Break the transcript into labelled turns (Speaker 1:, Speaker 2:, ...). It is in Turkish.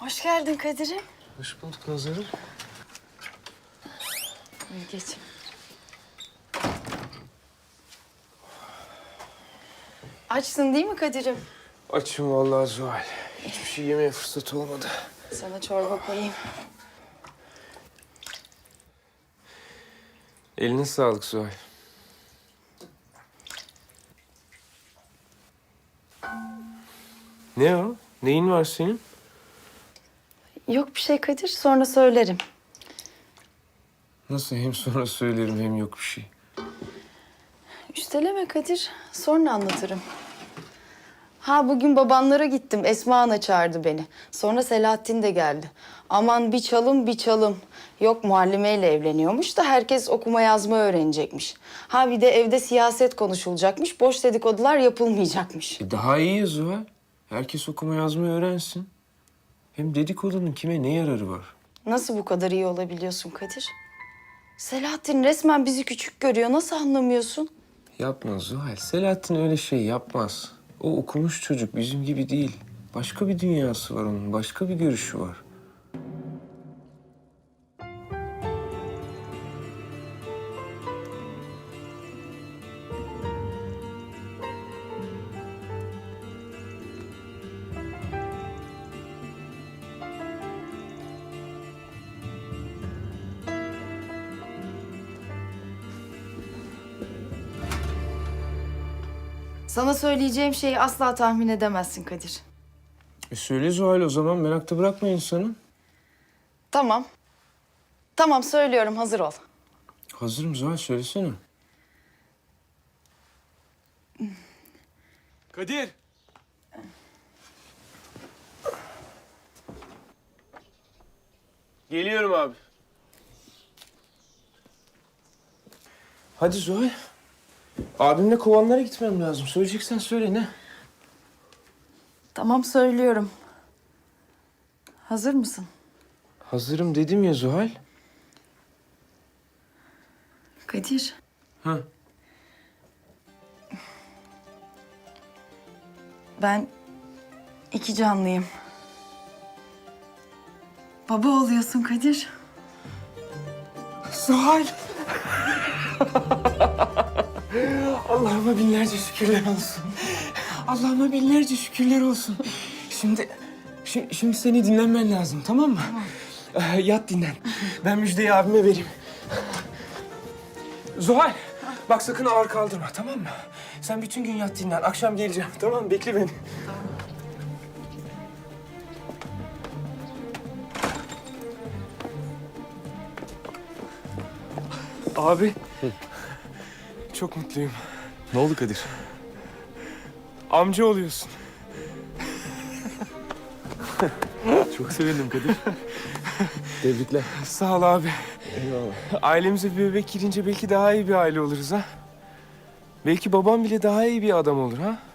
Speaker 1: Hoş geldin Kadir'im.
Speaker 2: Hoş bulduk Nazar'ım.
Speaker 1: Buyur geç. Açsın değil mi Kadir'im?
Speaker 2: Açım vallahi Zuhal. Hiçbir şey yemeye fırsat olmadı.
Speaker 1: Sana çorba koyayım.
Speaker 2: Eline sağlık Zuhal. Ne o? Neyin var senin?
Speaker 1: Yok bir şey Kadir, sonra söylerim.
Speaker 2: Nasıl hem sonra söylerim hem yok bir şey.
Speaker 1: Üsteleme Kadir, sonra anlatırım. Ha bugün babanlara gittim, Esma Ana çağırdı beni. Sonra Selahattin de geldi. Aman bir çalım bir çalım. Yok muallimeyle evleniyormuş da herkes okuma yazma öğrenecekmiş. Ha bir de evde siyaset konuşulacakmış, boş dedikodular yapılmayacakmış.
Speaker 2: Daha iyi ya Zuhal. Herkes okuma yazmayı öğrensin. Hem dedikodunun kime ne yararı var?
Speaker 1: Nasıl bu kadar iyi olabiliyorsun Kadir? Selahattin resmen bizi küçük görüyor, nasıl anlamıyorsun?
Speaker 2: Yapma Zuhal. Selahattin öyle şey yapmaz. O okumuş çocuk bizim gibi değil. Başka bir dünyası var onun. Başka bir görüşü var.
Speaker 1: Sana söyleyeceğim şeyi asla tahmin edemezsin Kadir.
Speaker 2: Söyle Zuhal o zaman. Merakta bırakma insanı.
Speaker 1: Tamam. Tamam söylüyorum, hazır ol.
Speaker 2: Hazırım Zuhal. Söylesene. Kadir. Geliyorum abi. Hadi Zuhal. Abimle kovanlara gitmem lazım. Söyleyeceksen söyle ne?
Speaker 1: Tamam söylüyorum. Hazır mısın?
Speaker 2: Hazırım dedim ya Zuhal.
Speaker 1: Kadir,
Speaker 2: Ha.
Speaker 1: ben iki canlıyım. Baba oluyorsun Kadir.
Speaker 2: Zuhal. Allah'ıma binlerce şükürler olsun. Allah'ıma binlerce şükürler olsun. Şimdi seni dinlenmen lazım, tamam mı? Tamam. Yat dinlen. Ben müjdeyi abime vereyim. Zuhal, bak sakın ağır kaldırma, tamam mı? Sen bütün gün yat dinlen. Akşam geleceğim, tamam mı? Bekle beni. Abi, çok mutluyum.
Speaker 3: Ne oldu Kadir?
Speaker 2: Amca oluyorsun.
Speaker 3: Çok sevindim Kadir. Tebrikler.
Speaker 2: Sağ ol abi.
Speaker 3: Eyvallah.
Speaker 2: Ailemize bir bebek girince belki daha iyi bir aile oluruz ha. Belki babam bile daha iyi bir adam olur ha.